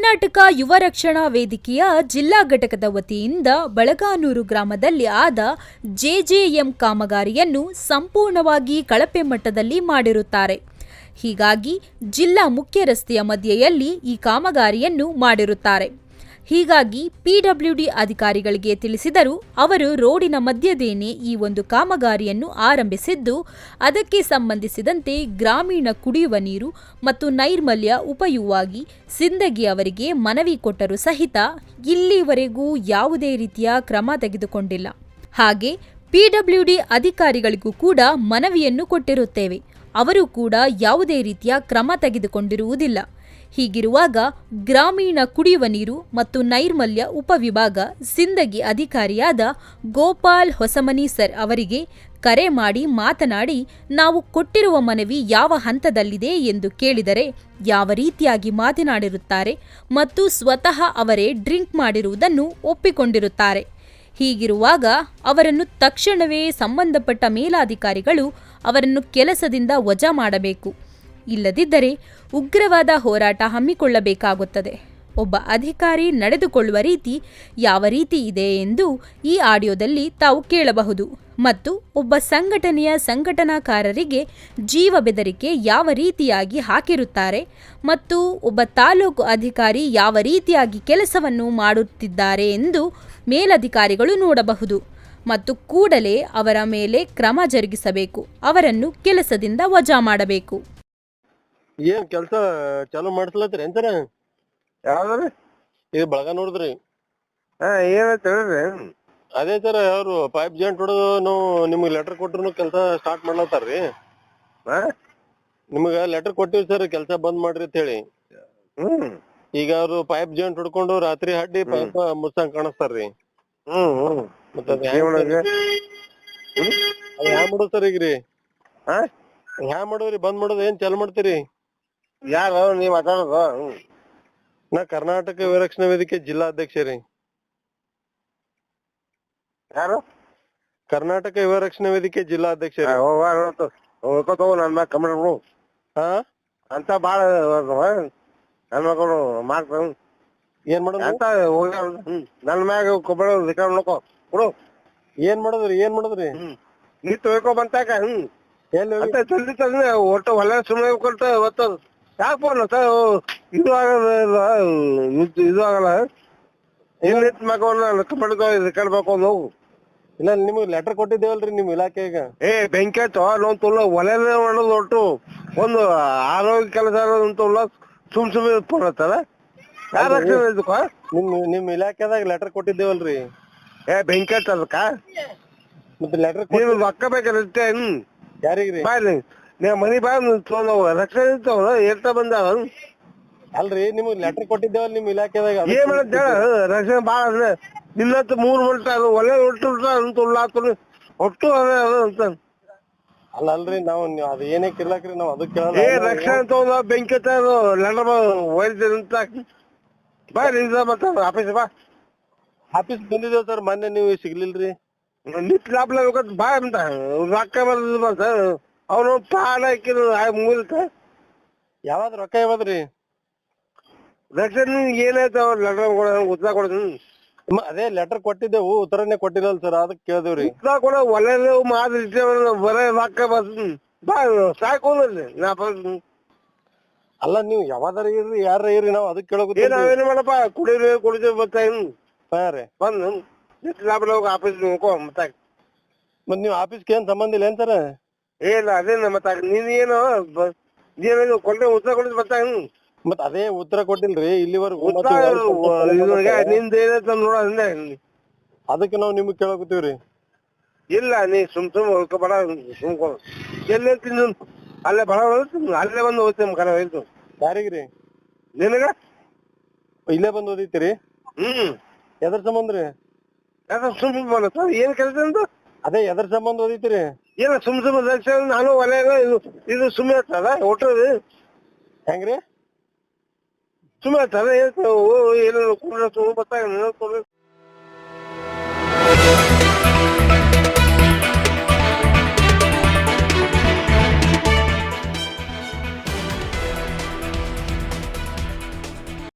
ಕರ್ನಾಟಕ ಯುವ ರಕ್ಷಣಾ ವೇದಿಕೆಯ ಜಿಲ್ಲಾ ಘಟಕದ ವತಿಯಿಂದ ಬಳಗಾನೂರು ಗ್ರಾಮದಲ್ಲಿ ಆದ ಜೆಜೆಎಂ ಕಾಮಗಾರಿಯನ್ನು ಸಂಪೂರ್ಣವಾಗಿ ಕಳಪೆ ಮಟ್ಟದಲ್ಲಿ ಮಾಡಿರುತ್ತಾರೆ. ಹೀಗಾಗಿ ಜಿಲ್ಲಾ ಮುಖ್ಯ ರಸ್ತೆಯ ಮಧ್ಯೆಯಲ್ಲಿ ಈ ಕಾಮಗಾರಿಯನ್ನು ಮಾಡಿರುತ್ತಾರೆ. ಹೀಗಾಗಿ ಪಿಡಬ್ಲ್ಯೂಡಿ ಅಧಿಕಾರಿಗಳಿಗೆ ತಿಳಿಸಿದರೂ ಅವರು ರೋಡಿನ ಮಧ್ಯದೇನೆ ಈ ಒಂದು ಕಾಮಗಾರಿಯನ್ನು ಆರಂಭಿಸಿದ್ದು, ಅದಕ್ಕೆ ಸಂಬಂಧಿಸಿದಂತೆ ಗ್ರಾಮೀಣ ಕುಡಿಯುವ ನೀರು ಮತ್ತು ನೈರ್ಮಲ್ಯ ಉಪಯುವಾಗಿ ಸಿಂದಗಿ ಅವರಿಗೆ ಮನವಿ ಕೊಟ್ಟರೂ ಸಹಿತ ಇಲ್ಲಿವರೆಗೂ ಯಾವುದೇ ರೀತಿಯ ಕ್ರಮ ತೆಗೆದುಕೊಂಡಿಲ್ಲ. ಹಾಗೆ ಪಿಡಬ್ಲ್ಯೂಡಿ ಅಧಿಕಾರಿಗಳಿಗೂ ಕೂಡ ಮನವಿಯನ್ನು ಕೊಟ್ಟಿರುತ್ತೇವೆ, ಅವರು ಕೂಡ ಯಾವುದೇ ರೀತಿಯ ಕ್ರಮ ತೆಗೆದುಕೊಂಡಿರುವುದಿಲ್ಲ. ಹೀಗಿರುವಾಗ ಗ್ರಾಮೀಣ ಕುಡಿಯುವ ನೀರು ಮತ್ತು ನೈರ್ಮಲ್ಯ ಉಪವಿಭಾಗ ಸಿಂದಗಿ ಅಧಿಕಾರಿಯಾದ ಗೋಪಾಲ್ ಹೊಸಮನಿ ಸರ್ ಅವರಿಗೆ ಕರೆ ಮಾಡಿ ಮಾತನಾಡಿ, ನಾವು ಕೊಟ್ಟಿರುವ ಮನವಿ ಯಾವ ಹಂತದಲ್ಲಿದೆ ಎಂದು ಕೇಳಿದರೆ ಯಾವ ರೀತಿಯಾಗಿ ಮಾತನಾಡಿರುತ್ತಾರೆ ಮತ್ತು ಸ್ವತಃ ಅವರೇ ಡ್ರಿಂಕ್ ಮಾಡಿರುವುದನ್ನು ಒಪ್ಪಿಕೊಂಡಿರುತ್ತಾರೆ. ಹೀಗಿರುವಾಗ ಅವರನ್ನು ತಕ್ಷಣವೇ ಸಂಬಂಧಪಟ್ಟ ಮೇಲಾಧಿಕಾರಿಗಳು ಅವರನ್ನು ಕೆಲಸದಿಂದ ವಜಾ ಮಾಡಬೇಕು, ಇಲ್ಲದಿದ್ದರೆ ಉಗ್ರವಾದ ಹೋರಾಟ ಹಮ್ಮಿಕೊಳ್ಳಬೇಕಾಗುತ್ತದೆ. ಒಬ್ಬ ಅಧಿಕಾರಿ ನಡೆದುಕೊಳ್ಳುವ ರೀತಿ ಯಾವ ರೀತಿ ಇದೆ ಎಂದು ಈ ಆಡಿಯೋದಲ್ಲಿ ತಾವು ಕೇಳಬಹುದು. ಮತ್ತು ಒಬ್ಬ ಸಂಘಟನೆಯ ಸಂಘಟನಾಕಾರರಿಗೆ ಜೀವ ಬೆದರಿಕೆ ಯಾವ ರೀತಿಯಾಗಿ ಹಾಕಿರುತ್ತಾರೆ ಮತ್ತು ಒಬ್ಬ ತಾಲೂಕು ಅಧಿಕಾರಿ ಯಾವ ರೀತಿಯಾಗಿ ಕೆಲಸವನ್ನು ಮಾಡುತ್ತಿದ್ದಾರೆ ಎಂದು ಮೇಲಧಿಕಾರಿಗಳು ನೋಡಬಹುದು ಮತ್ತು ಕೂಡಲೇ ಅವರ ಮೇಲೆ ಕ್ರಮ ಜರುಗಿಸಬೇಕು, ಅವರನ್ನು ಕೆಲಸದಿಂದ ವಜಾ ಮಾಡಬೇಕು. ಏನ್ ಕೆಲಸ ಚಾಲು ಮಾಡಿಸ್ಲತ್ರಿ ಅಂತಾರ? ಯಾವ್ದ್ರಿ? ಇದು ಬಳಗ ನೋಡಿದ್ರಿ? ಏನಂತ ಹೇಳ್ರಿ? ಅದೇ ಸರ್, ಅವ್ರು ಪೈಪ್ ಜಾಯಿಂಟ್ ಹೊಡೆದು ನಾವು ನಿಮ್ಗೆ ಲೆಟರ್ ಕೊಟ್ರು ಕೆಲಸ ಸ್ಟಾರ್ಟ್ ಮಾಡ್ಲತ್ತಾರ್ರಿ. ನಿಮ್ಗ ಲೆಟರ್ ಕೊಟ್ಟಿವಿ ಸರ್, ಕೆಲಸ ಬಂದ್ ಮಾಡ್ರಿ ಅಂತ ಹೇಳಿ. ಈಗ ಅವ್ರು ಪೈಪ್ ಜಾಯಿಂಟ್ ಹೊಡ್ಕೊಂಡು ರಾತ್ರಿ ಹಡ್ಡಿ ಪೈಪ್ ಮುಚ್ಚಂಗ್ ಕಾಣಿಸ್ತಾರ್ರಿ. ಮತ್ತ ಹ್ಯಾಂಗ್ ಮಾಡೋದು ಸರ್ ಈಗ್ರಿ? ಹ್ಯಾಂಗ್ ಮಾಡೋದ್ರಿ? ಬಂದ್ ಮಾಡೋದು ಏನ್ ಚಾಲು ಮಾಡ್ತೀರಿ? ಯಾರು ನೀವ್ ಮಾತಾಡೋದು? ನಾ ಕರ್ನಾಟಕ ಯುವರಕ್ಷಣಾ ವೇದಿಕೆ ಜಿಲ್ಲಾಧ್ಯಕ್ಷ ರೀ. ಯಾರು? ಕರ್ನಾಟಕ ಯುವರಕ್ಷಣಾ ವೇದಿಕೆ ಜಿಲ್ಲಾಧ್ಯಕ್ಷ ರೀ. ನನ್ ಮ್ಯಾಗ ಕಮೆಂಟ್ ಬಿಡು. ಅಂತ ಬಾಳ ನನ್ ಮಕ್ಕಳು ಮಾಡ್ತಾರ. ಏನ್ ಮಾಡೋದು ಅಂತ ನನ್ ಮ್ಯಾಗ ಕೊಬ್ಬಳ ನೋಡ್ಕೊ ಬಿಡು. ಏನ್ ಮಾಡೋದ್ರಿ? ಏನ್ ಮಾಡೋದ್ರಿ? ನೀ ತೊಳ್ಕೊ ಬಂತಾಕ ಅಂತ ಜಲ್ದಿ ತಂದ್ರೆ ಒಟ್ಟು ಹೊಲ ಸುಮ್ಮನೆ ಕೊಟ್ಟ ಒತ್ತದು ಯಾಕೆ ಇದು ಆಗಲ್ಲ, ಇದು ಆಗಲ್ಲ. ಏನಿತ್ ಮಗವನ್ನ ಕಡ್ಬೇಕು ಹೋಗು. ಇಲ್ಲ, ನಿಮ್ಗೆ ಲೆಟರ್ ಕೊಟ್ಟಿದ್ದೇವಲ್ರಿ ನಿಮ್ ಇಲಾಖೆಗ. ಬೆಂಕಿ ಆಯ್ತು ನೋನ್ ತುಲ್ಲ ಒಲೆನೇ ಮಾಡೋದು ಒಟ್ಟು ಒಂದು ಆರೋಗ್ಯ ಕೆಲಸ ಅಂತಲ್ಲ. ಸುಮ್ನೆ ಫೋನ್ ಹತ್ತಾರ ಯಾರ ನಿಮ್ ಇಲಾಖೆದಾಗ ಲೆಟರ್ ಕೊಟ್ಟಿದ್ದೇವಲ್ರಿ. ಬೆಂಕಿ ಆಯ್ತು ಅದಕ್ಕ ಮತ್ತೆ ಲೆಟರ್ ರೊಕ್ಕ ಬೇಕತ್ತೆ. ಯಾರಿಗ್ರಿ? ಬಾಯ್ಲಿ ನೀ ಮನಿ ಬಾ ರಕ್ಷಣೆ ಇರ್ತಾವ ಎಷ್ಟ ಬಂದಾವ ಅಲ್ರಿ, ನಿಮ್ಗ್ ಲೆಟರ್ ಕೊಟ್ಟಿದ್ದೇವಲ್ ನಿಮ್ ಇಲಾಖೆದಾಗ. ಏನ್ ಮಾಡತ್ತ ರಕ್ಷಣೆ ಬಾಳ ಅದ. ನಿನ್ನತ್ 3 ಮಂಟ ಅದು ಒಲೆ ಒಟ್ಟು ಒಟ್ಟು ಅಂತ ಅಲ್ರಿ, ನಾವು ಅದ್ ಏನೇ ಕಿರ್ಲಾಕ್ರಿ ನಾವ್ ಅದಕ್ಕೆ ರಕ್ಷಣೆ ತಗೊಂಡ ಬೆಂಕಿ ಲೆಟರ್ ಒಯ್ದಿರಿ ಅಂತ ಬಾ ಮತ್ತ ಆಫೀಸ್ ಬಾ. ಆಫೀಸ್ ಬಂದಿದ್ದೇವ್ ಸರ್, ಮೊನ್ನೆ ನೀವು ಸಿಗ್ಲಿಲ್ರಿ. ನಿತ್ ಲಾಭ ಬಾ ಅಂತ ರೊಕ್ಕ ಬರ್ತದ ಅವನು ಪಾಡ ಮುಗಿತ. ಯಾವ್ದ್ ರೊಕ್ಕ ಯಾವದ್ರಿ? ರಕ್ಷಣೆ ಏನಾಯ್ತು ಅವ್ರ ಲೆಟರ್ ಉತ್ತರ ಕೊಡ್ತೀನಿ. ಅದೇ ಲೆಟರ್ ಕೊಟ್ಟಿದ್ದೇವು, ಉತ್ತರನೇ ಕೊಟ್ಟಿರಲ್ ಸರ್, ಅದಕ್ಕೆ ಕೇಳಿದೇವ್ರಿ. ಉತ್ತರ ಕೊಡ ಒಲೆ ಮಾದ್ರಿ ಬರೇ ರೊಕ್ಕ ಬರ್ತದ ಬಾ ಸಾಕೋದ್ರಿ ನಾ. ಅಲ್ಲ, ನೀವು ಯಾವ್ದಾರ ಇರ್ರಿ ಯಾರ ಇರ್ರಿ, ನಾವ್ ಅದಕ್ಕೆ ಕೇಳೋದು. ನಾವೇನು ಮಾಡಪ್ಪ ಕುಡಿದೇವ್ ಬರ್ತಾ ರೀ ಬಂದು ಲಾಭ ಆಫೀಸ್ ನೋಡ್ಕೊ ಮತ್ತ. ಮತ್ ನೀವ್ ಆಫೀಸ್ಗೆ ಏನ್ ಸಂಬಂಧ ಇಲ್ಲ ಏನ್ ಸರ್? ಇಲ್ಲ ಅದೇನ ಮತ್ತ ನೀನ್ ಏನು ಕೊಟ್ಟೆ ಉತ್ತರ ಕೊಡಿದ್ ಬರ್ತಾ. ಮತ್ ಅದೇ ಉತ್ತರ ಕೊಟ್ಟಿಲ್ರಿ ಇಲ್ಲಿವರೆಗೂ. ನಿಂದ ಏನೈತ ನೋಡ ಅದಕ್ಕೆ ನಾವ್ ನಿಮ್ಗ್ ಕೇಳಕತ್ತೀವ್ರಿ. ಇಲ್ಲ ನೀ ಸುಮ್ ಬಡ ಸುಮ್ಕೊ ಎಲ್ಲಿ ಅಲ್ಲೇ ಬಡ ಅಲ್ಲೇ ಬಂದು ಓದ್ತೇನೆ ಕರ ಹೇಳ್ತು. ಯಾರಿಗ್ರಿ? ನಿನಗ ಇಲ್ಲೇ ಬಂದ್ ಓದಿತ್ತೀರಿ? ಎದ್ರ ಸಂಬಂಧ ರೀ? ಸುಮ್ ಏನ್ ಕೆಲಸ ಅಂತ ಅದೇ ಎದ್ರ ಸಂಬಂಧ ಓದಿತ್ತೀರಿ? ಏನ ಸುಮ್ ನಾನು ಒಲೆ ಇದು ಸುಮ್ಮನೆ ಇರ್ತದ ಒಟ್ಟದು ಹೆಂಗ್ರಿ? ಸುಮ್ಮನೆ ಇರ್ತದ ಏನು ಬರ್ತಾ